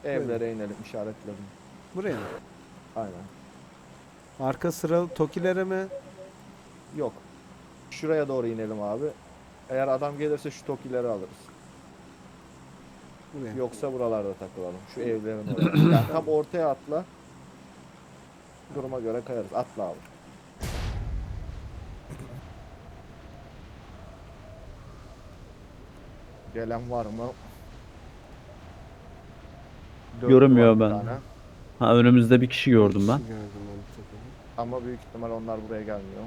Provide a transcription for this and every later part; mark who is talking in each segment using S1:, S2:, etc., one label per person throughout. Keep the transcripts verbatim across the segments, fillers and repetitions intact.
S1: Evlere inelim, işaretledim.
S2: Buraya mı?
S1: Aynen.
S2: Arka sıralı Tokilere mi?
S1: Yok. Şuraya doğru inelim abi. Eğer adam gelirse şu tokileri alırız.
S2: Buraya.
S1: Yoksa buralarda takılalım. Şu evlerin oraya. Yani tam ortaya atla. Duruma göre kayarız. Atla abi. Gelen var mı? Dörtlü var
S3: Görünmüyor
S1: bir
S3: ben.
S1: tane.
S3: Ha, önümüzde bir kişi gördüm ben.
S2: Kişi gördüm ben Tokil'de.
S1: Ama büyük ihtimal onlar buraya gelmiyor.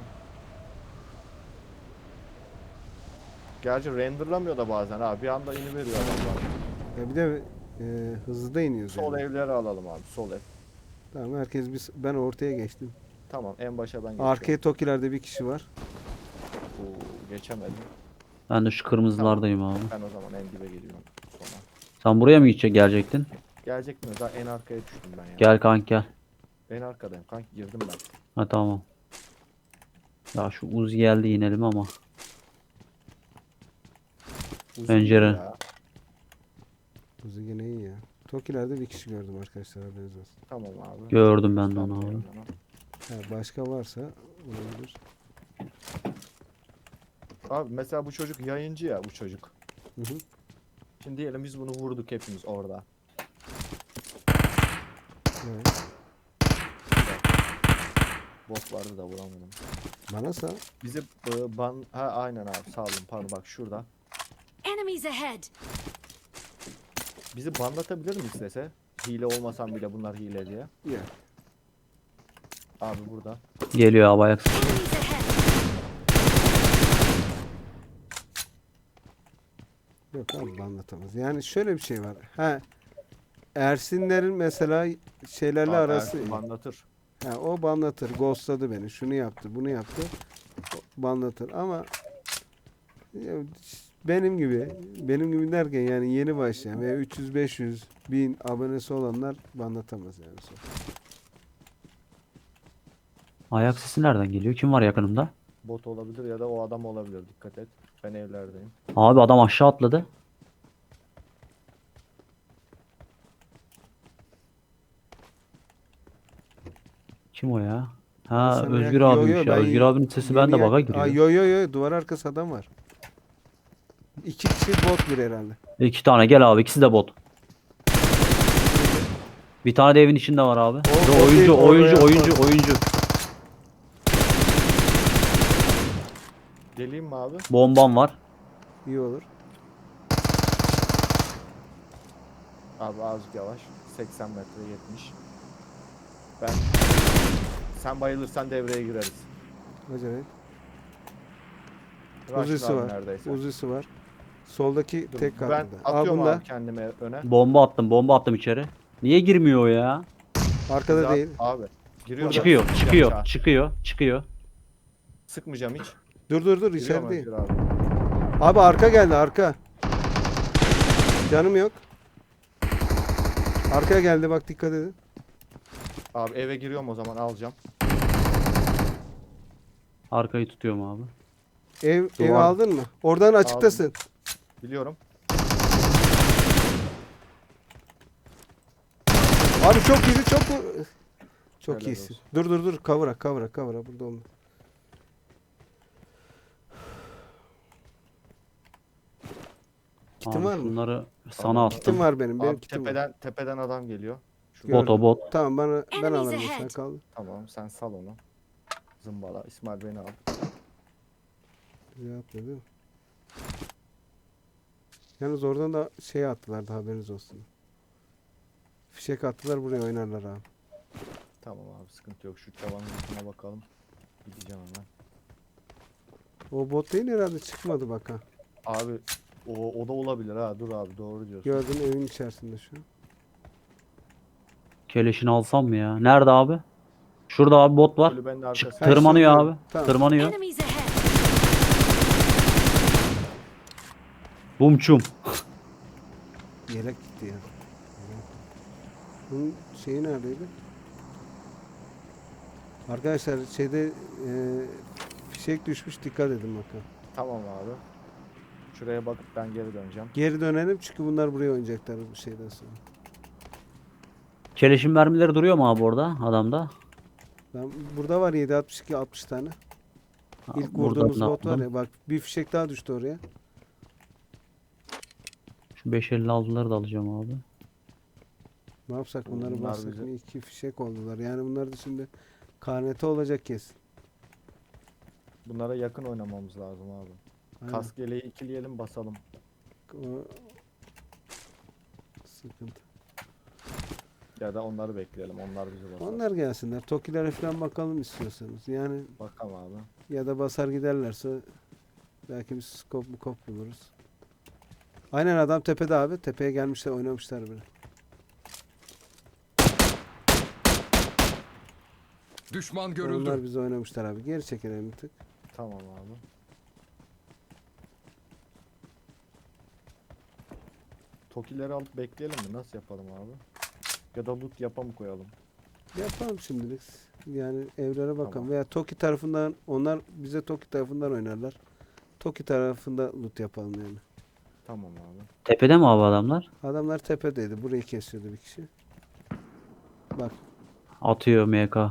S1: Gerçi renderlamıyor da bazen abi. Bir anda iniveriyor adamlar.
S2: Ya bir de e, hızlı da iniyoruz
S1: Sol
S2: yani.
S1: evleri alalım abi. Sol ev.
S2: Tamam herkes bir, ben ortaya geçtim.
S1: Tamam, en başa ben geçiyorum.
S2: Arkaya Tokilerde bir kişi var.
S1: Oo, geçemedim.
S3: Ben de şu kırmızılardayım abi.
S1: Ben o zaman en dibe geliyorum sonra.
S3: Sen buraya mı gidecek gelecektin?
S1: Gelecek mi? Daha en arkaya düştüm ben ya.
S3: Gel kanka gel.
S1: En arkadayım. Kanki girdim ben.
S3: Ha tamam. Ya şu Uzi geldi inelim ama.
S1: Uzun
S3: Pencere.
S1: ya.
S2: Hızlı gene iyi ya. Tokilerde bir kişi gördüm arkadaşlar haberiniz olsun.
S1: Tamam abi.
S3: Gördüm ben de
S1: Tamam,
S3: onu abi.
S1: o zaman.
S2: Ha, başka varsa olabilir.
S1: Abi mesela bu çocuk yayıncı ya bu çocuk.
S2: Hı hı.
S1: Şimdi diyelim biz bunu vurduk hepimiz orada.
S2: Evet.
S1: Bot vardı da vuramadım.
S2: Bana sağ.
S1: Bizi e, ban... Ha aynen abi sağ olun pardon bak şurada.
S4: Enemies ahead!
S1: Bizi banlatabilir mi istese? Hile olmasam bile bunlar hile diye.
S2: Ya.
S1: Abi burada.
S3: Geliyor abi ayak.
S4: Enemies ahead!
S2: Yok abi anlatamaz. Yani şöyle bir şey var. Ha Ersinlerin mesela şeylerle
S1: Abi
S2: arası
S1: Ersin
S2: iyi.
S1: banlatır.
S2: Ha, o banlatır. Ghostladı beni. Şunu yaptı, bunu yaptı. O banlatır ama ya, benim gibi, benim gibi derken yani yeni başlayan veya üç yüz beş yüz bin abonesi olanlar banlatamaz yani.
S3: Ayak sesi nereden geliyor? Kim var yakınımda?
S1: Bot olabilir ya da o adam olabilir. Dikkat et. Ben evlerdeyim.
S3: Abi adam aşağı atladı. Kim o ya? Ha
S2: Sana
S3: Özgür
S2: yak- yo,
S3: abiymiş
S2: yo,
S3: ya.
S2: ben
S3: Özgür
S2: y-
S3: abinin sesi
S2: yeni
S3: bende
S2: yak-
S3: baga
S2: Aa,
S3: giriyor.
S2: yo yo yo duvar arkası adam var. İki kişi bot bir herhalde.
S3: İki tane gel abi ikisi de bot. Bir tane de evin içinde var abi.
S2: O-
S3: Ve
S2: o değil,
S3: oyuncu
S2: oraya
S3: oyuncu oyuncu
S2: koy.
S3: oyuncu.
S1: Geleyim mi abi?
S3: Bombam var.
S2: İyi olur.
S1: Abi azıcık yavaş. seksen metre yetmiş. Ben... Sen bayılırsan devreye gireriz.
S2: Acayip.
S1: Rush'la
S2: Uzisi
S1: abi
S2: var.
S1: neredeyse.
S2: Uzisi var. Soldaki
S1: Dur,
S2: tek
S1: ben
S2: katında. Al
S1: atıyorum
S2: bunda.
S1: abi kendime öne.
S3: Bomba attım bomba attım içeri. Niye girmiyor o ya?
S2: Arkada
S1: Bizi at-
S2: değil.
S1: Abi. Giriyor.
S3: Çıkıyor
S1: ben.
S3: çıkıyor
S1: Sıkmayacağım
S3: çıkıyor çıkıyor.
S1: hiç. Sıkmayacağım hiç.
S2: Dur dur dur
S1: Giriyor mu
S2: içerideyim.
S1: Özgür abi?
S2: Abi arka geldi arka. Canım yok. Arkaya geldi bak dikkat edin.
S1: Abi eve giriyorum o zaman alacağım.
S3: Arkayı tutuyorum abi.
S2: Ev ev
S3: Duvar.
S2: aldın mı? Oradan açıktasın.
S1: Biliyorum.
S2: Abi çok iyi çok çok
S1: Helal
S2: iyisin.
S1: olsun.
S2: Dur dur dur kavra kavra kavra burada olma. Kitim
S3: Abi
S2: var mı?
S3: şunları sana
S1: Tamam.
S3: attım.
S2: Kitim var benim. Benim
S1: Abi
S2: kitim var.
S1: tepeden tepeden adam geliyor. Şu
S3: Bot o bot.
S2: Tamam bana ben
S4: Enemies
S2: alırım sen
S4: ahead.
S2: kal.
S1: Tamam sen sal onu. Zımbala. İsmail beni al.
S2: Güzel atladı değil mi? Yalnız oradan da şey attılar da haberiniz olsun. Fişek attılar buraya oynarlar abi.
S1: Tamam abi sıkıntı yok. Şu tavanın üstüne bakalım. Gideceğim hemen.
S2: O bot değil herhalde çıkmadı bak ha.
S1: Abi o, o da olabilir ha. Dur abi doğru diyorsun.
S2: Gördüm evin içerisinde şu an.
S3: Keleşini alsam mı ya? Nerede abi? Şurada abi bot var.
S1: Kulübenin
S3: Çık,
S1: arkasında.
S2: Ha,
S3: tırmanıyor
S2: şurada.
S3: abi.
S2: Tamam.
S3: Tırmanıyor.
S4: Enemies ahead!
S3: Bumçum.
S2: Yelek gitti ya. Bunun şeyi neredeydi? Arkadaşlar şeyde e, fişek düşmüş dikkat edin bakın.
S1: Tamam abi. Şuraya bakıp ben geri döneceğim.
S2: Geri dönelim çünkü bunlar buraya oynayacaklar bu şeyden sonra.
S3: Keleşin mermileri duruyor mu abi orada adamda?
S2: Ben, burada var yedi altmış iki altmış tane.
S3: Ha,
S2: İlk
S3: buradan
S2: vurduğumuz
S3: da
S2: bot var
S3: aldım.
S2: ya, bak bir fişek daha düştü oraya.
S3: Şu beş elli altıları da alacağım abi.
S2: Ne yapsak bunları
S1: Bunlar
S2: bassak
S1: bize-
S2: mı? İki fişek oldular. Yani bunlar da şimdi karnete olacak kesin.
S1: Bunlara yakın oynamamız lazım abi.
S2: Aynen.
S1: Kask yeleği ikileyelim basalım.
S2: O... Sıkıntı.
S1: Ya da onları bekleyelim. Onlar bizi basar.
S2: Onlar gelsinler. Tokilere falan bakalım istiyorsanız. Yani
S1: Bakalım abi.
S2: ya da basar giderlerse belki bir skop mu kop buluruz. Aynen adam tepede abi. Tepeye gelmişler, oynamışlar bile.
S5: Düşman görüldü.
S2: Onlar bizi oynamışlar abi. Geri çekelim bir tık.
S1: Tamam abi. Tokileri alıp bekleyelim mi? Nasıl yapalım abi? Ya da loot yapa mı koyalım?
S2: Yapalım şimdilik. Yani evlere bakalım.
S1: Tamam.
S2: Veya Toki tarafından, onlar bize Toki tarafından oynarlar. Toki tarafında loot yapalım yani.
S1: Tamam abi.
S3: Tepede mi abi adamlar?
S2: Adamlar tepedeydi. Burayı kesiyordu bir kişi. Bak
S3: Atıyor M K.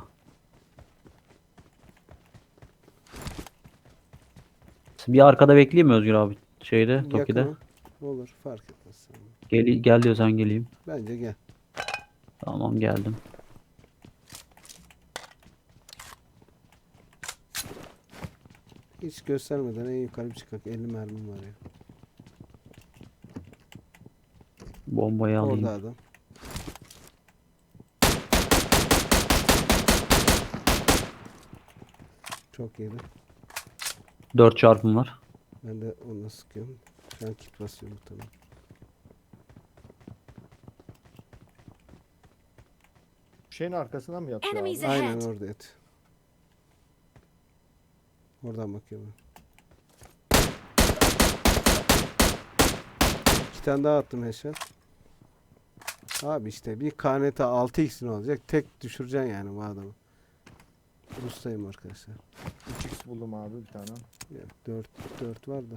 S3: Bir arkada bekleyeyim mi Özgür abi? Şeyde, Toki'de.
S2: yakını. Olur fark etmez.
S3: Gel, gel diyorsan geleyim.
S2: Bence gel.
S3: Tamam geldim.
S2: Hiç göstermeden en yukarı bir çıkak. elli mermim var ya.
S3: Bombayı alayım.
S2: Orada adam. Çok iyiydi.
S3: dört çarpım var.
S2: Ben de onu sıkıyorum. Şu an kit basıyorum tamam.
S1: Şeyin arkasına mı yatıyor
S4: Enemies
S1: abi?
S4: ahead.
S2: Aynen orada et. Oradan bakıyorum. İki tane daha attım headshot. Abi işte bir K N T altı x'in olacak. Tek düşüreceksin yani bu adamı. Ustayım arkadaşlar.
S1: üç x buldum abi bir tane.
S2: Ya dört dört var da.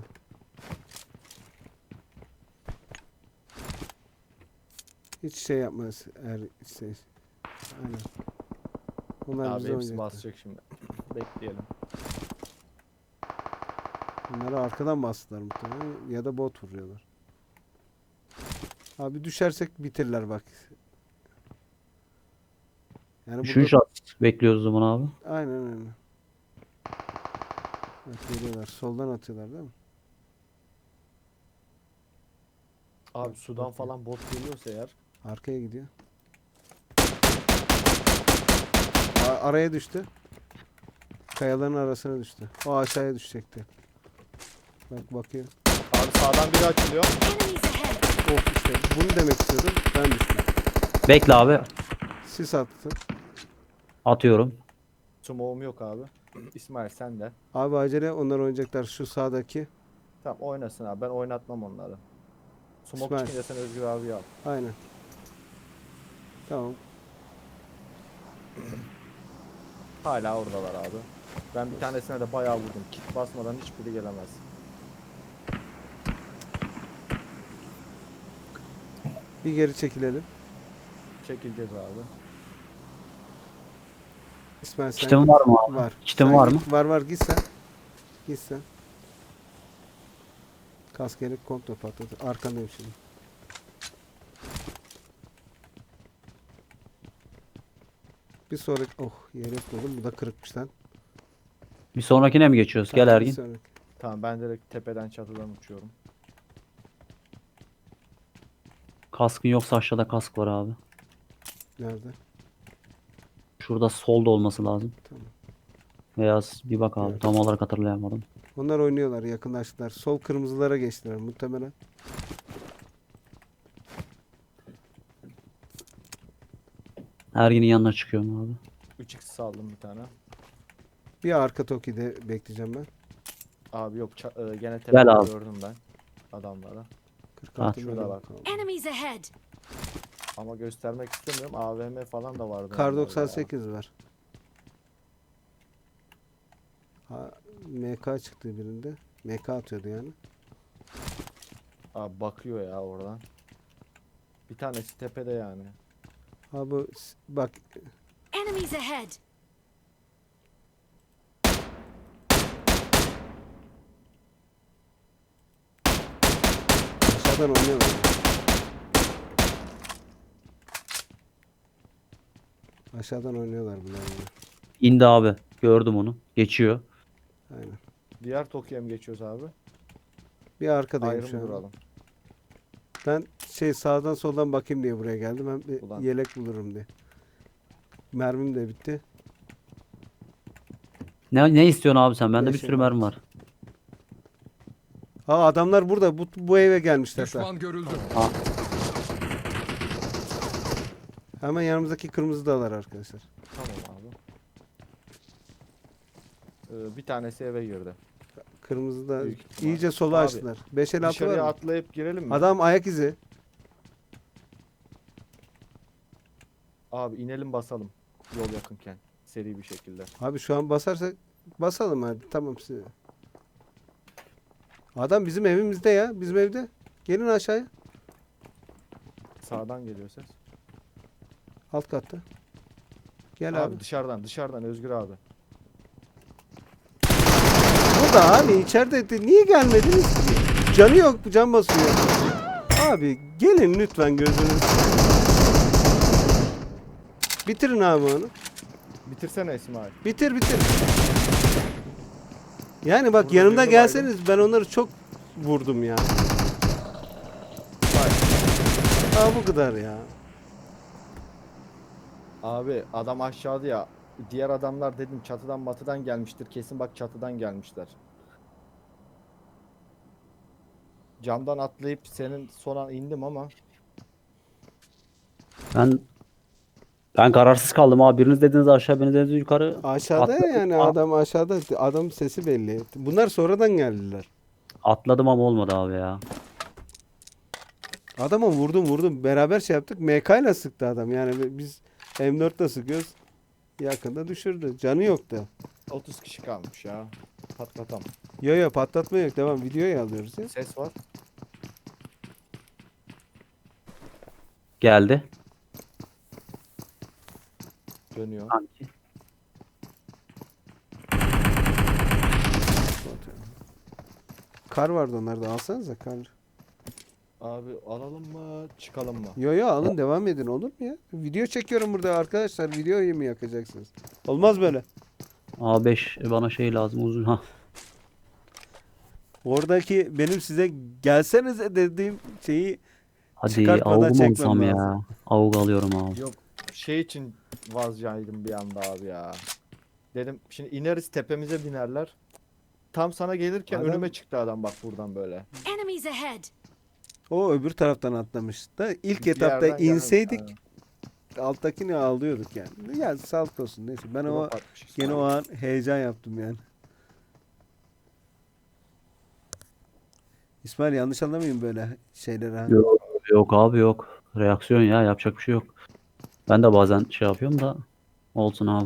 S2: Hiç şey yapmaz eğer şey. Aynen. Onlar
S1: Abi
S2: bize
S1: hepsi
S2: oynayacaklar.
S1: basacak şimdi. Bekleyelim.
S2: Bunları arkadan bastılar muhtemelen ya da bot vuruyorlar. Abi düşersek bitirler bak. Yani
S3: Üçüncü
S2: burada...
S3: şans bekliyoruz o zaman abi.
S2: Aynen aynen. Bak geliyorlar. Soldan atıyorlar değil mi?
S1: Abi sudan falan bot geliyorsa eğer.
S2: Arkaya gidiyor. A- araya düştü. Kayaların arasına düştü. O aşağıya düşecekti. Bak bakıyor.
S1: Abi sağdan biri açılıyor.
S4: Enemies ahead.
S2: Oh işte bunu demek istiyordum. Ben düştüm.
S3: Bekle abi.
S2: Sis attı.
S3: Atıyorum.
S1: Smoke'um yok abi. İsmail sen de.
S2: Abi acele onlar oynayacaklar şu sağdaki.
S1: Tamam oynasın abi. Ben oynatmam onları. Smoke
S2: İsmail.
S1: çıkınca sen Özgür abi al.
S2: Aynen. Tamam.
S1: Hala oradalar abi. Ben bir tanesine de bayağı vurdum. Kit basmadan hiçbiri gelemez.
S2: Bir geri çekilelim.
S1: Çekileceğiz abi.
S2: İsmail sen
S3: Kitim var mı abi?
S2: var.
S3: Kitim
S2: Sen
S3: var
S2: git-
S3: mı?
S2: Var var git sen. Git sen. Kask gerek kontrol patladı. Arkandayım şimdi. Bir sonraki oh yelek buldum. Bu da kırıkmış lan.
S3: Bir sonrakine mi geçiyoruz? Gel
S2: Tamam, bir
S3: Ergin.
S2: sonraki.
S1: Tamam ben direkt tepeden çatıdan uçuyorum.
S3: Kaskın yoksa aşağıda kask var abi.
S2: Nerede?
S3: Şurada solda olması lazım.
S2: Tamam.
S3: Veya s- bir bak abi.
S2: Evet.
S3: Tam olarak hatırlayamadım.
S2: Onlar oynuyorlar, yakınlaştılar. Sol kırmızılara geçtiler muhtemelen.
S3: Ergin'in yanına çıkıyorum abi.
S1: üç x saldım bir tane.
S2: Bir arka Toki'de bekleyeceğim ben.
S1: Abi yok ça- e, gene
S3: Gel
S1: tepede
S3: abi.
S1: gördüm ben adamları.
S2: kırk
S3: Ha,
S2: altı
S1: şurada
S2: metre
S1: bak.
S2: kaldı.
S4: Enemies ahead.
S1: Ama göstermek istemiyorum. A V M falan da vardı.
S2: Kar
S1: onlarda ya.
S2: doksan sekiz var. Ha, M K çıktı birinde. M K atıyordu yani.
S1: Abi bakıyor ya oradan. Bir tanesi tepede yani.
S2: Ha bu s- bak
S4: Enemies ahead!
S2: aşağıdan oynuyorlar. Aşağıdan oynuyorlar bunlar. yine.
S3: İndi abi. Gördüm onu. Geçiyor.
S2: Aynen.
S1: Diğer Tokyo'ya mı geçiyoruz abi?
S2: Bir arkadayım
S1: Ayrı
S2: şu
S1: mı
S2: an.
S1: duralım?
S2: Ben şey sağdan soldan bakayım diye buraya geldim. Hem bir
S1: Ulan.
S2: yelek bulurum diye. Mermim de bitti.
S3: Ne ne istiyorsun abi sen? Bende bir
S2: Beşim
S3: sürü
S2: var.
S3: mermi var.
S2: Ha adamlar burada. Bu, bu eve gelmişler.
S5: Düşman görüldü.
S2: Hemen yanımızdaki kırmızı dağlar arkadaşlar.
S1: Tamam abi. Ee, bir tanesi eve girdi.
S2: Kırmızı da
S1: Büyük ihtimal.
S2: iyice sola
S1: Abi,
S2: açtılar. beş el altı var
S1: Dışarıya
S2: mı?
S1: atlayıp girelim mi?
S2: Adam ayak izi.
S1: Abi inelim basalım. Yol yakınken. Seri bir şekilde.
S2: Abi şu an basarsak basalım hadi. Tamam size. Adam bizim evimizde ya. Bizim evde. Gelin aşağıya.
S1: Sağdan geliyor ses.
S2: Alt katta. Gel
S1: Abi,
S2: abi.
S1: dışarıdan dışarıdan Özgür abi.
S2: Burada abi içeride de niye gelmediniz ki? Canı yok, can basıyor. Abi gelin lütfen gözünüzü. Bitirin abi onu.
S1: Bitirsene İsmail.
S2: Bitir bitir. Yani bak
S1: Burada
S2: yanımda
S1: birini
S2: gelseniz ben onları çok vurdum ya. Aa bu kadar ya.
S1: Abi adam aşağıda ya. Diğer adamlar dedim çatıdan batıdan gelmiştir. Kesin bak çatıdan gelmişler. Camdan atlayıp senin son an indim ama
S3: Ben ben kararsız kaldım abi. Biriniz dediniz aşağı, biriniz dediniz yukarı.
S2: Aşağıda ya
S3: Atladım.
S2: yani
S3: A-
S2: adam aşağıda. Adam sesi belli. Bunlar sonradan geldiler.
S3: Atladım ama olmadı abi ya.
S2: Adama vurdum vurdum. Beraber şey yaptık. M K ile sıktı adam. Yani biz M dört ile sıkıyoruz. Yakında düşürdü. Canı yoktu.
S1: otuz kişi kalmış ya. Patlatam.
S2: Yo yo patlatma yok. Devam. Videoyu alıyoruz ya.
S1: Ses var.
S3: Geldi.
S1: Dönüyor.
S3: Sanki.
S2: Kar vardı onlarda. Alsanıza kar.
S1: Abi alalım mı çıkalım mı?
S2: Yo yo alın devam edin olur mu ya? Video çekiyorum burada arkadaşlar. Videoyu mu yakacaksınız? Olmaz böyle.
S3: A beş bana şey lazım uzun. Ha.
S2: Oradaki benim size gelsenize dediğim şeyi
S3: Hadi
S2: Çıkartmadan
S3: avuk mu
S2: çekmem
S3: alsam ya?
S2: lazım.
S3: Avuk alıyorum abi.
S1: Yok şey için vazgeçtim bir anda abi ya. Dedim şimdi ineriz tepemize binerler. Tam sana gelirken
S2: Adam-
S1: önüme çıktı adam bak buradan böyle.
S4: Enemies ahead!
S2: o öbür taraftan atlamış da ilk
S1: Bir
S2: etapta
S1: yerden gelmiş,
S2: inseydik
S1: aynen.
S2: alttakini alıyorduk yani. Ya sağlık olsun neyse. Ben o
S1: Drop atmış
S2: gene
S1: İsmail.
S2: o an heyecan yaptım yani. İsmail yanlış anlamayın böyle şeyleri ha.
S3: Yok, yok abi yok. Reaksiyon ya, yapacak bir şey yok. Ben de bazen şey yapıyorum da olsun abi.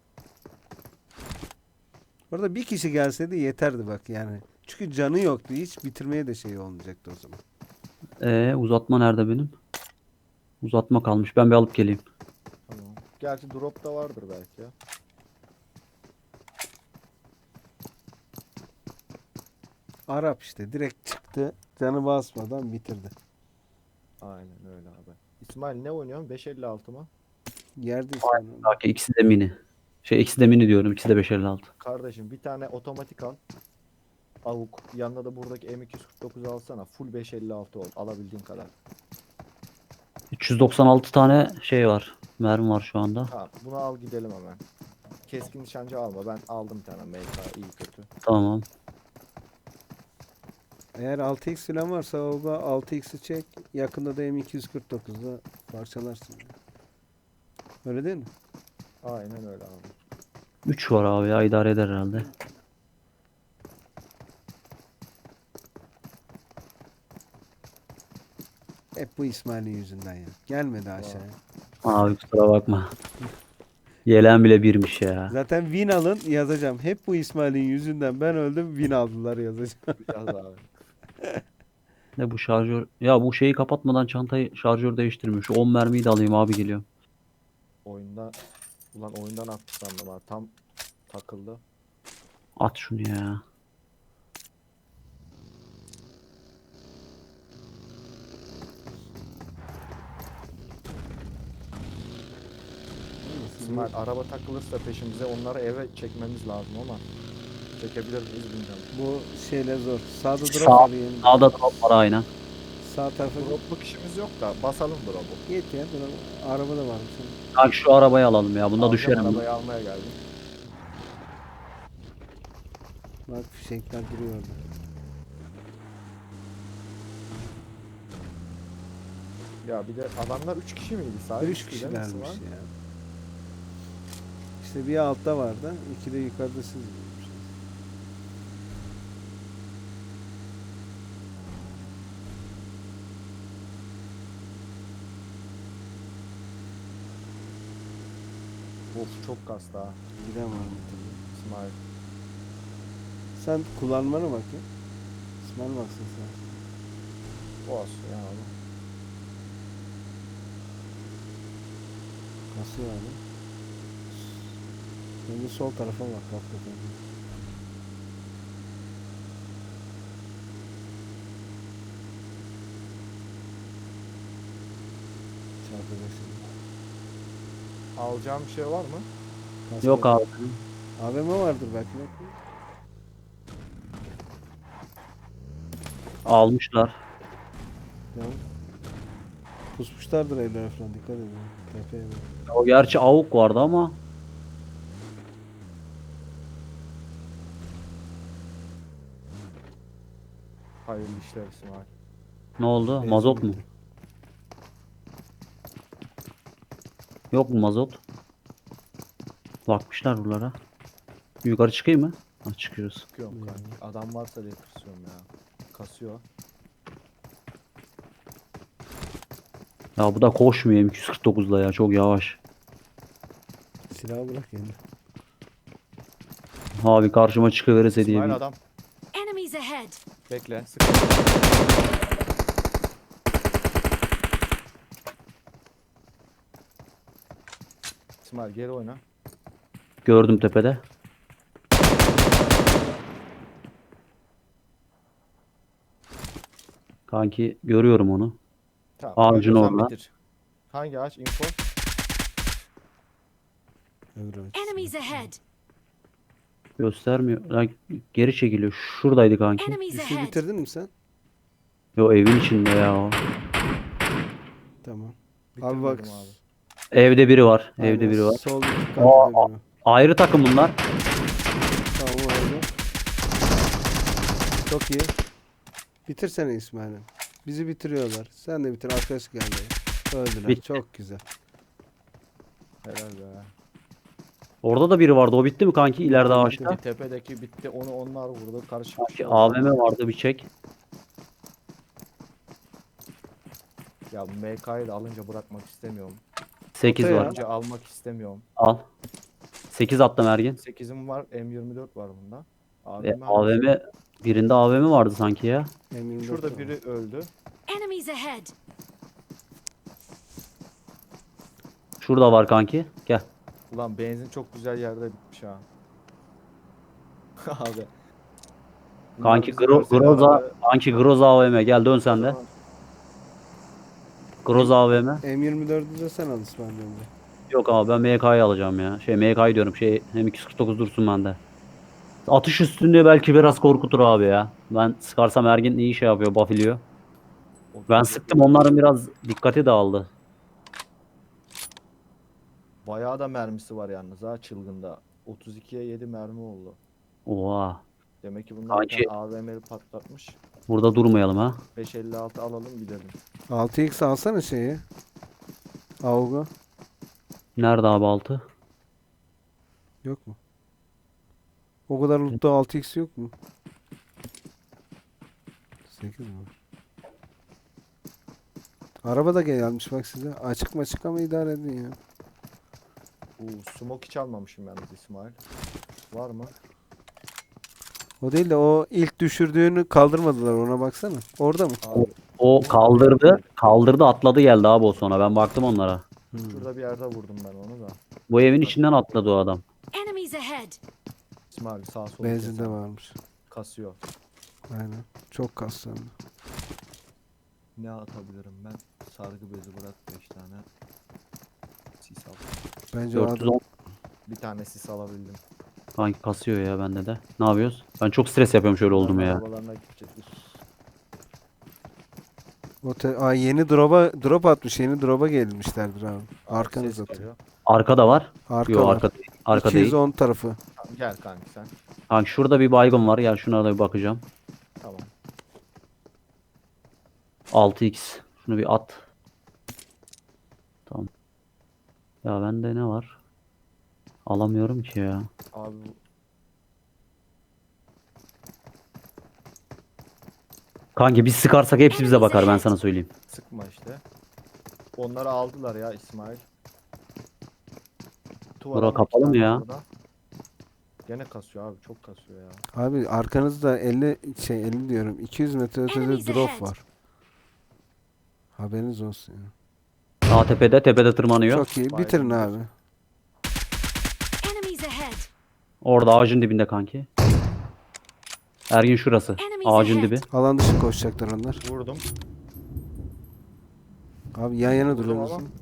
S2: Orada bir kişi gelseydi yeterdi bak yani. Çünkü canı yoktu. Hiç bitirmeye de şey olmayacaktı o zaman.
S3: Ee, uzatma nerede benim? Uzatma kalmış. Ben bir alıp geleyim.
S1: Tamam. Gerçi drop da vardır belki ya.
S2: Arap işte direkt çıktı. Canı basmadan bitirdi.
S1: Aynen öyle abi. İsmail ne oynuyorsun? beş elli altı mı?
S2: Yerde İsmail.
S3: Belki ikisi de mini. Şey ikisi de mini diyorum. İkisi de beş elli altı.
S1: Kardeşim bir tane otomatik al. Avuk. Yanına da buradaki M iki yüz kırk dokuz alsana. Full beş elli altı ol. Alabildiğin kadar.
S3: üç yüz doksan altı tane şey var. Mermi var şu anda.
S1: Tamam. Bunu al gidelim hemen. Keskin nişancı alma. Ben aldım bir tane M K. iyi kötü.
S3: Tamam.
S2: Eğer altı x falan varsa o da altı x'i çek. Yakında da M iki yüz kırk dokuzla parçalarsın. Öyle değil mi?
S1: Aynen öyle abi.
S3: üç var abi ya, idare eder herhalde.
S2: Hep bu İsmail'in yüzünden ya. Gelmedi aşağıya.
S3: Abi kusura bakma. Yelen bile birmiş ya.
S2: Zaten win alın yazacağım. Hep bu İsmail'in yüzünden ben öldüm win aldılar yazacağım.
S1: Biraz abi.
S3: Ne bu şarjör? Ya bu şeyi kapatmadan çantayı şarjör değiştirmiyor. Şu on mermiyi de alayım abi, geliyorum.
S1: Oyunda ulan oyundan attı sandım ha. Tam takıldı.
S3: At şunu ya.
S1: İsmail araba takılırsa peşimize onları eve çekmemiz lazım ama çekebilir miyiz bilmiyorum.
S2: Bu şeyler zor. Sağda drop
S3: Sağ-
S2: alayım.
S3: Sağda drop var aynen.
S2: Sağ tarafa git.
S1: Dropluk işimiz yok da basalım drop'u.
S2: Git ya. Drop. Araba da varmış.
S3: Kanki şu arabayı alalım ya. Bunda
S1: Alacağım,
S3: düşerim.
S1: arabayı almaya geldim.
S2: Bak fişekler duruyor orada.
S1: Ya bir de adamlar üç kişi miydi sadece?
S2: Üç
S1: Nasıl
S2: kişilermiş
S1: var?
S2: ya. İşte bir altta vardı. İki de yukarıda siz.
S1: Of çok kastı ha
S2: Giden var mı tabii.
S1: İsmail.
S2: Sen kullanmana bak ya. İsmail baksın sen.
S1: O olsun ya abi.
S2: Nasıl yani? Şimdi sol tarafa bak hakikaten. Çarpıcı.
S1: Alacağım bir şey var mı?
S2: Kask
S3: Yok
S2: yap-
S3: abi.
S2: A V M vardır belki. Bak.
S3: Almışlar.
S2: Ya. Pusmuşlardır evlere falan, dikkat edin. Tepeye bak.
S3: O gerçi avuk vardı ama
S1: Hayırlı işler İsmail.
S3: ne oldu?
S2: Benzin
S3: Mazot mu?
S2: bitti.
S3: Yok mu mazot? Bakmışlar buralara. Yukarı çıkayım mı? Ha, çıkıyoruz.
S1: Sıkıyorum
S2: Hmm.
S1: kanki. Adam varsa diye tırsıyorum ya. Kasıyor.
S3: Ya bu da koşmuyor M iki yüz kırk dokuzla ya. Çok yavaş.
S2: Silahı bırak yani.
S3: Abi karşıma çıkıverirse diye
S1: İsmail
S3: bir...
S1: adam.
S4: Enemies ahead!
S1: Bekle. Sık. İsmail geri oyna.
S3: Gördüm tepede. Kanki görüyorum onu.
S1: Tamam.
S3: Ağacın
S1: görüyorsan
S3: orada.
S1: bitir. Hangi ağaç? Info.
S2: Öbür aç.
S4: Enemies ahead!
S3: Göstermiyor. Lan geri çekiliyor. Şuradaydı kanki.
S4: Enemies
S2: Düşü
S4: ahead!
S2: bitirdin mi sen?
S3: Yo evin içinde ya o.
S2: Tamam.
S1: Bitirmedim
S2: Abi bak.
S1: abi.
S3: Evde biri var.
S2: Aynen,
S3: Evde biri var.
S2: Sol bir
S3: Aa,
S2: kapıda biri var.
S3: Ayrı takım bunlar.
S2: Tamam orada. Çok iyi. Bitirsene İsmail'im. Bizi bitiriyorlar. Sen de bitir. Arkadaş geldi. Öldüler.
S3: Bitti.
S2: Çok güzel.
S1: Helal be.
S3: Orada da biri vardı. O bitti mi kanki? İleride ağaçta.
S1: Bitti, tepedeki bitti. Onu onlar vurdu. Karışık. bir şey
S3: Kanki
S1: oldu.
S3: A V M vardı bir çek.
S1: Ya bu M K'yı da alınca bırakmak istemiyorum.
S3: sekiz
S2: Ortaya.
S3: var.
S1: Alınca almak istemiyorum.
S3: Al. sekiz attım Ergin.
S1: sekizim var. M yirmi dört var bunda. Abi
S3: E, A V M birinde A V M vardı sanki ya.
S2: M yirmi dört
S1: Şurada
S2: var.
S1: biri öldü.
S4: Enemies ahead!
S3: Şurada var kanki. Gel.
S1: Ulan benzin çok güzel yerde bitmiş ha. Abi. Bunlar
S3: Kanki
S1: bizi
S3: Gro
S1: görse de
S3: Groza
S1: araba-
S3: kanki Groza A V M. Gel dön sen de. Groza A V M.
S2: M yirmi dördü de sen al İsmail önce.
S3: Yok abi ben M K'yı alacağım ya. Şey M K'yı diyorum. Şey hem iki yüz kırk dokuz dursun bende. Atış üstünde belki biraz korkutur abi ya. Ben sıkarsam Ergin iyi şey yapıyor, buffiliyor. Ben sıktım, onların biraz dikkati dağıldı.
S1: Bayağı da mermisi var yalnız ha çılgında. otuz ikiye yedi mermi oldu.
S3: Oha.
S1: Demek ki bunlar bir
S3: Kanki-
S1: tane A V M'li patlatmış.
S3: Burada durmayalım ha.
S1: beş elli altı alalım gidelim.
S2: altı x alsana şeyi. Avga.
S3: Nerede abi altı?
S2: Yok mu? O kadar lootta altı x yok mu? sekiz mi? Araba da gelmiş bak size. Açık maçık ama idare edin ya.
S1: Uuu smoke hiç almamışım yalnız İsmail. Var mı?
S2: O değil de o ilk düşürdüğünü kaldırmadılar, ona baksana. Orada mı?
S1: Abi,
S3: O kaldırdı. Kaldırdı atladı geldi abi o sonra. Ben baktım onlara.
S2: Hmm.
S1: Şurada bir yerde vurdum ben onu da.
S3: Bu evin içinden atladı o adam.
S4: Enemies ahead.
S1: İsmail sağ sol.
S2: Benzinde
S1: kesen.
S2: varmış.
S1: Kasıyor.
S2: Aynen. Çok kaslandı.
S1: Ne atabilirim ben? Sargı bezi bırak beş tane. Sis al.
S2: Bence o
S3: dört yüz
S2: adam
S3: on
S1: Bir tane sis alabildim.
S3: kanki kasıyor ya bende de. Ne yapıyoruz? Ben çok stres yapıyorum şöyle oldu mu ya.
S1: Arabalarına gidecektir.
S2: o te- Aa, yeni drop'a drop atmış. Yeni drop'a gelmişlerdir abi.
S1: Abi
S2: Arkanız
S1: ses
S2: atıyor.
S1: geliyor.
S3: Arkada var.
S2: Arka
S3: Yok
S2: var.
S3: arka değil. Arka değil.
S2: iki yüz on tarafı.
S1: Tamam, gel kanki sen.
S3: Kanki şurada bir baygın var. Gel şuna da bir bakacağım.
S1: Tamam.
S3: altı x. Şunu bir at. Tamam. Ya bende ne var? Alamıyorum ki ya.
S1: Abi bu-
S3: Kanki biz sıkarsak hepsi bize bakar ben sana söyleyeyim.
S1: sıkma işte. Onları aldılar ya İsmail. Tuvar
S3: Bura
S1: ama iki
S3: kapalı mı
S1: tane
S3: ya?
S1: orada. Gene kasıyor abi, çok kasıyor ya.
S2: Abi arkanızda elli şey elli diyorum. iki yüz metre ötede
S4: Enemies
S2: drop
S4: ahead.
S2: var. Haberiniz olsun ya.
S3: Sağ tepede tepede tırmanıyor.
S2: Çok iyi. Bitirin
S1: Baygın
S2: abi.
S4: Enemies ahead.
S3: Orada ağacın dibinde kanki. Ergin şurası.
S4: Enemies
S3: Ağacın
S4: ahead.
S3: dibi.
S2: Alan dışı koşacaklar onlar.
S1: Vurdum.
S2: Abi yan yana
S1: Vurdum
S2: duruyorsunuz.
S1: ama.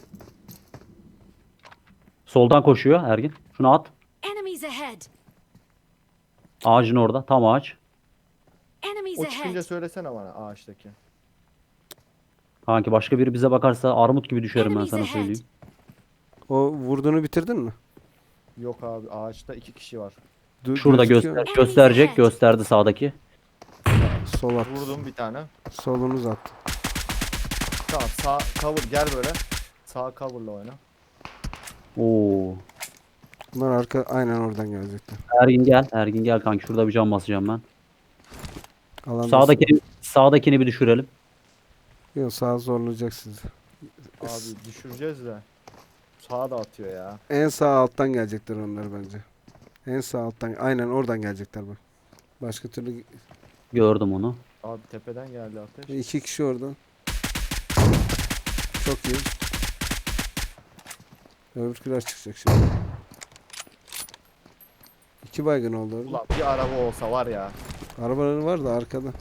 S3: Soldan koşuyor Ergin. Şunu at.
S4: Enemies ahead.
S3: Ağacın orada. Tam ağaç.
S4: Enemies
S1: O çıkınca
S4: ahead.
S1: söylesene bana ağaçtaki.
S3: Kanki başka biri bize bakarsa armut gibi düşerim ben
S4: Enemies
S3: sana
S4: ahead.
S3: söyleyeyim.
S2: O vurduğunu bitirdin mi?
S1: Yok abi, ağaçta iki kişi var.
S2: Du-
S3: Şurada
S2: gözüküyor
S3: göster
S2: mu?
S3: gösterecek. Gösterdi sağdaki.
S2: Sol at.
S1: Vurdum bir tane.
S2: Solunuz attı.
S1: Tamam, sağ cover gel böyle. Sağ coverla oyna.
S3: Oo.
S2: Bunlar arka aynen oradan gelecekler.
S3: Ergin gel. Ergin gel kanki. Şurada bir cam basacağım ben.
S2: Alan
S3: Sağdakini sağdakini bir düşürelim.
S2: Yok sağ zorlayacak sizi.
S1: Abi düşüreceğiz de. Sağa da atıyor ya.
S2: En sağ alttan gelecekler onlar bence. En sağ alttan aynen oradan gelecekler bak. Başka türlü
S3: Gördüm onu.
S1: Abi tepeden geldi ateş.
S2: iki kişi oradan. Çok iyi. Öbürküler çıkacak şimdi. İki baygın oldu orada.
S1: Ulan bir araba olsa var ya.
S2: Arabaları var da arkada.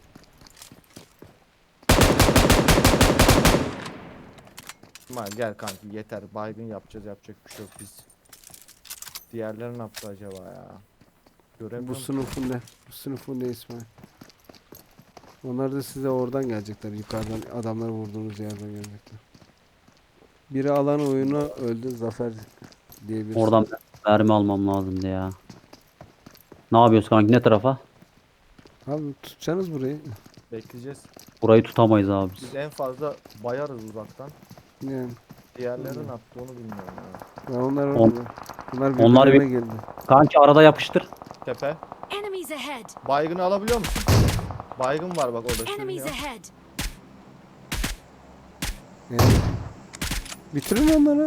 S1: İsmail gel kanki, yeter. Baygın yapacağız, yapacak bir şey yok biz. Diğerleri ne yaptı acaba ya? Göremiyorum.
S2: Bu sınıfın ne? Bu sınıfın ne İsmail? Onlar da size oradan gelecekler. Yukarıdan adamları vurduğunuz yerden gelecekler. Biri alan oyunu öldü. Zafer diye bir
S3: Oradan mermi almam lazımdı ya. Ne yapıyoruz kanki? Ne tarafa?
S2: Abi tutacaksınız burayı.
S1: Bekleyeceğiz.
S3: Burayı tutamayız abi biz.
S1: Biz en fazla bayarız uzaktan.
S2: Yani
S1: Diğerleri ne yaptı onu bilmiyorum ya.
S2: ya onlar
S3: On-
S2: orada. Bunlar
S3: onlar
S2: birbirlerine geldi.
S3: Kanki arada yapıştır.
S1: Tepe.
S4: Enemies ahead.
S1: Baygını alabiliyor musun? Baygın var bak orada
S4: Enemies
S1: sürünüyor.
S4: ahead.
S2: Yani. Bitirin onları.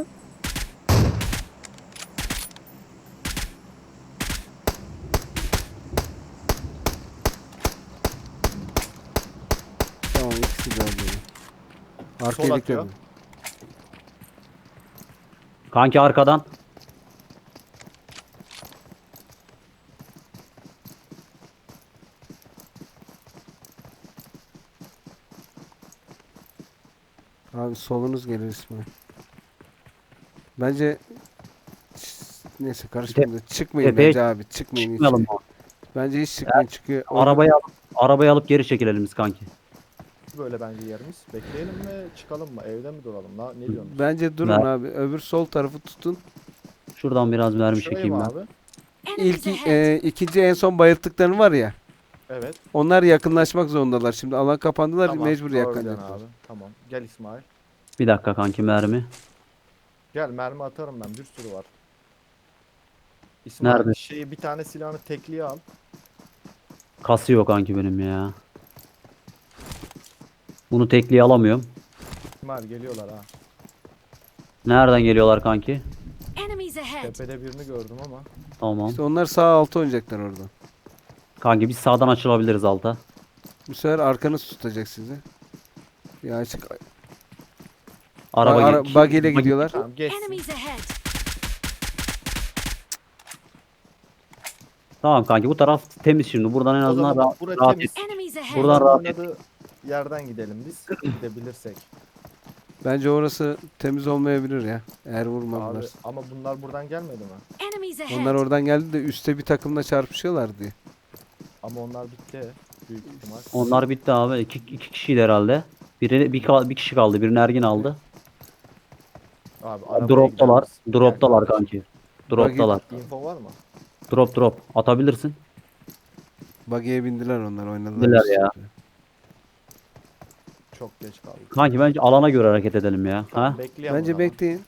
S2: Tamam ikisi de öldü. Arka
S1: Sol
S2: ilik
S1: atıyor.
S2: dedi.
S3: Kanki arkadan.
S2: Abi solunuz gelir İsmail. Bence neyse karışmayın da çıkmayın
S3: Tepeye
S2: bence abi çıkmayın hiç.
S3: Çıkmayalım abi.
S2: Bence hiç çıkmayın çıkıyor.
S3: Arabayı alıp, arabayı alıp geri çekilelim biz kanki.
S1: Böyle bence yerimiz. Bekleyelim mi? Çıkalım mı? Evde mi duralım? La, ne diyorsun?
S2: Bence durun
S3: Ver.
S2: abi. Öbür sol tarafı tutun.
S3: Şuradan biraz mermi
S1: Şurayı
S3: çekeyim
S1: mı
S3: ben.
S1: abi?
S4: Enemies
S2: İlk
S4: ahead.
S2: e, ikinci en son bayılttıkların var ya.
S1: Evet.
S2: Onlar yakınlaşmak zorundalar. Şimdi alan kapandılar
S1: Tamam.
S2: mecbur
S1: doğru
S2: yakınacaklar.
S1: diyorsun abi. Tamam. Gel İsmail.
S3: Bir dakika kanki mermi.
S1: Gel, mermi atarım ben. Bir sürü var. İsmail
S3: Nerede?
S1: şeyi, bir tane silahını tekliye al.
S3: Kasıyor kanki benim ya. Bunu tekliğe alamıyorum.
S1: İsmail geliyorlar ha.
S3: Nereden geliyorlar kanki?
S4: Enemies ahead.
S1: Tepede birini gördüm ama.
S3: Tamam.
S2: İşte onlar sağ altı oynayacaklar orada.
S3: Kanki biz sağdan açılabiliriz alta.
S2: Bu sefer arkanız tutacak sizi. Bir açık
S3: Araba
S2: Ara,
S3: ge-
S2: bug ile
S3: buggy-
S2: gidiyorlar.
S1: Tamam geçsin.
S4: Enemies ahead.
S3: Tamam kanki bu taraf temiz şimdi. Buradan en
S1: O
S3: azından
S1: zaman
S3: rahat,
S1: bak burası
S3: rahat
S1: temiz.
S3: et.
S4: Enemies ahead.
S3: Buradan
S1: Bunların
S3: rahat et.
S1: oynadığı yerden gidelim biz. Gidebilirsek.
S2: Bence orası temiz olmayabilir ya. Eğer
S1: Abi
S2: vurmadılar.
S1: ama bunlar buradan gelmedi mi?
S4: Enemies ahead.
S2: Onlar oradan geldi de üstte bir takımla çarpışıyorlar diye.
S1: Ama onlar bitti. Büyük ihtimal.
S3: Onlar bitti abi. İki, iki kişiydi herhalde. Biri bir, kal- bir kişi kaldı. Birini Ergin aldı.
S1: Abi arabaya
S3: Droptalar.
S1: gideriz.
S3: Droptalar
S1: Gel kardeşim.
S3: kanki. Droptalar.
S1: Info var mı?
S3: Drop drop. Atabilirsin.
S2: Buggy'e bindiler onlar oynadılar.
S3: Bindiler
S2: üstte.
S3: ya.
S1: Çok geç kaldık.
S3: Kanki bence alana göre hareket edelim ya.
S1: Tamam,
S3: Ha?
S1: bekleyelim o
S2: Bence
S1: zaman.
S2: bekleyin.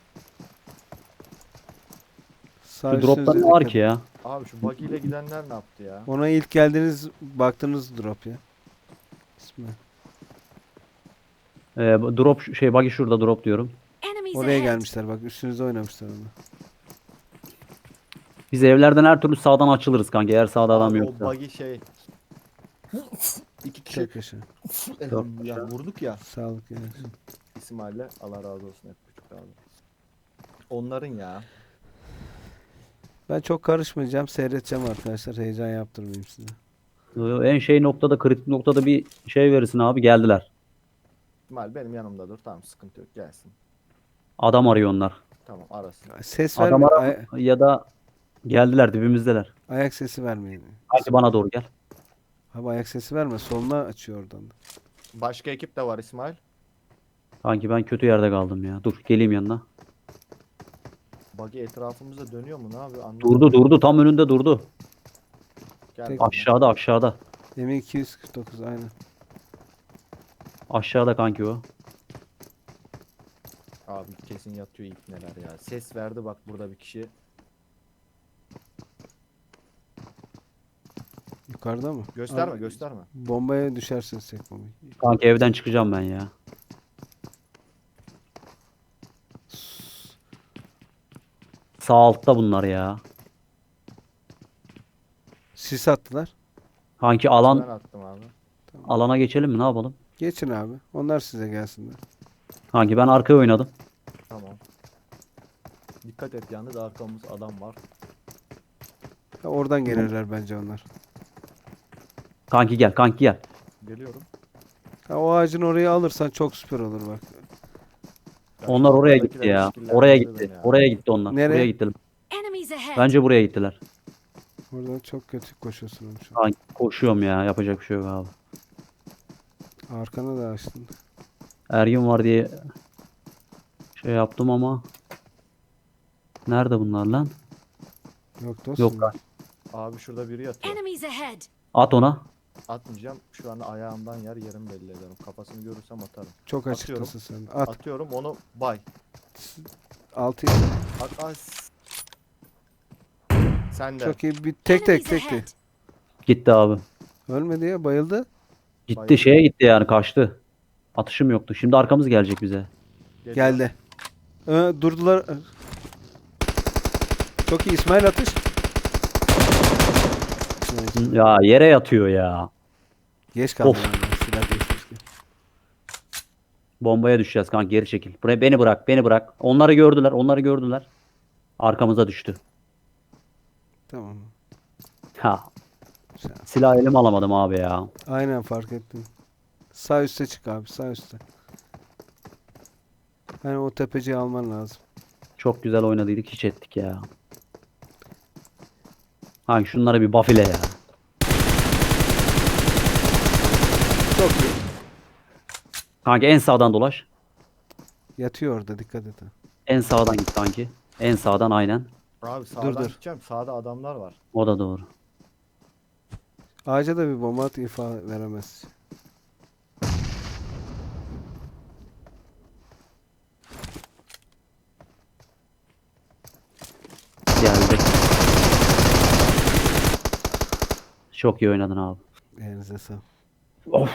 S2: Sağ
S3: Şu dropta
S2: üstünüze
S3: ne var
S2: dikkat
S3: ki ya?
S1: Abi şu buggy ile gidenler ne yaptı ya?
S2: Ona ilk geldiğiniz baktığınız drop ya. İsmail.
S3: Ee, bu drop şey buggy şurada drop diyorum.
S4: Enemies
S2: Oraya
S4: ahead.
S2: gelmişler bak üstünüze oynamışlar onu.
S3: Biz evlerden her türlü sağdan açılırız kanki. Eğer sağda adam
S1: Abi
S3: yoksa.
S1: o buggy şey. İki kişi
S2: Çok yaşa.
S1: ya vurduk ya.
S2: Sağlık yani.
S1: İsmail'le Allah razı olsun hep küçük abi. Onların ya.
S2: Ben çok karışmayacağım. Seyredeceğim arkadaşlar. Heyecan yaptırmayayım size.
S3: Ee, En şey noktada kritik noktada bir şey verirsin abi geldiler.
S1: İsmail benim yanımda dur. Tamam sıkıntı yok gelsin.
S3: Adam arıyor onlar.
S1: Tamam arasın.
S2: Ses
S3: Adam
S2: verme.
S3: ara ya da geldiler dibimizdeler.
S2: ayak sesi vermeyin.
S3: Kanki bana doğru gel.
S2: Abi ayak sesi verme. Soluna açıyor oradan da.
S1: Başka ekip de var İsmail.
S3: Kanki ben kötü yerde kaldım ya. Dur geleyim yanına.
S1: Buggy etrafımızda dönüyor mu ne yapıyor anlamadım.
S3: Durdu durdu tam önünde durdu.
S1: Gel
S2: Tek-
S1: bana.
S3: Aşağıda aşağıda.
S2: M iki yüz kırk dokuz aynen.
S3: Aşağıda kanki o.
S1: Abi kesin yatıyor ilk neler ya. Ses verdi bak burada bir kişi.
S2: Yukarıda mı?
S1: Gösterme
S2: Abi,
S1: gösterme.
S2: Bombaya düşersiniz tek bombayı.
S3: Kanki evden çıkacağım ben ya. Sağ altta bunlar ya.
S2: Sis attılar.
S3: Kanki
S1: Ben
S3: alan
S1: attım abi.
S3: alana geçelim mi ne yapalım?
S2: Geçin abi. Onlar size gelsinler.
S3: Kanki ben arkaya oynadım.
S1: Tamam. Dikkat et yalnız arkamız adam var.
S2: Ha, oradan gelirler bence onlar.
S3: Kanki gel kanki gel.
S1: Geliyorum.
S2: Ha, o ağacın orayı alırsan çok süper olur bak.
S1: Ya
S3: Onlar
S1: şu
S3: oraya
S1: arkadakiler
S3: gitti ya.
S1: işkillendirdi
S3: Oraya
S1: beni
S3: gitti.
S1: ya.
S3: Oraya gitti onlar.
S2: Nereye?
S3: Oraya gittiler.
S4: Enemies ahead.
S3: Bence buraya gittiler.
S2: Oradan çok kötü koşuyorsun oğlum şu an.
S3: Kanki koşuyorum ya. Yapacak bir şey yok abi.
S2: Arkana da açtın.
S3: Ergin var diye şey yaptım ama nerede bunlar lan?
S2: Yok dostum.
S3: Yok lan.
S1: Abi şurada biri yatıyor.
S4: Enemies ahead.
S3: At ona.
S1: Atmayacağım. Şu an ayağımdan yer yerim belli ederim. Kafasını görürsem atarım.
S2: Çok
S1: Atıyorum.
S2: açıktasın sen. At.
S1: Atıyorum onu bay.
S2: Altı.
S1: At as. Sen de.
S2: Çok iyi. Bir tek tek
S4: Enemies
S2: tek tek.
S4: ahead.
S3: Gitti abi.
S2: Ölmedi ya bayıldı.
S3: Gitti
S1: Bayıldı.
S3: şeye gitti yani kaçtı. Atışım yoktu. Şimdi arkamız gelecek bize.
S1: Geliyor.
S2: Geldi. Ee, durdular. Çok iyi İsmail atış.
S3: Ya yere yatıyor ya.
S2: Geç kaldım.
S3: Of.
S2: ben, Silah geçmişti.
S3: Bombaya düşeceğiz kanka geri çekil. Buraya beni bırak beni bırak. Onları gördüler onları gördüler. Arkamıza düştü.
S2: Tamam.
S3: Ha.
S2: Güzel.
S3: Silah elim alamadım abi ya.
S2: Aynen fark ettim. Sağ üste çık abi sağ üste. Hani o tepeciyi alman lazım.
S3: Çok güzel oynadıydık hiç ettik ya. Hangi şunlara bir buff ile ya.
S2: Çok iyi.
S3: Kanka en sağdan dolaş.
S2: Yatıyor orada dikkat et. ha.
S3: En sağdan git kanki. En sağdan aynen.
S1: Abi sağdan
S2: dur.
S1: gideceğim. Sağda adamlar var.
S3: O da doğru.
S2: Ağaca da bir bomba at ifa veremez.
S3: Geldi. Çok iyi oynadın abi.
S2: Elinize sağlık.
S3: Of.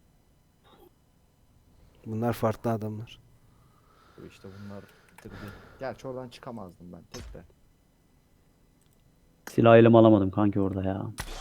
S2: Bunlar farklı adamlar.
S1: İşte bunlar bitirdi. Gerçi oradan çıkamazdım ben tek de.
S3: Silah elim alamadım kanki orada ya.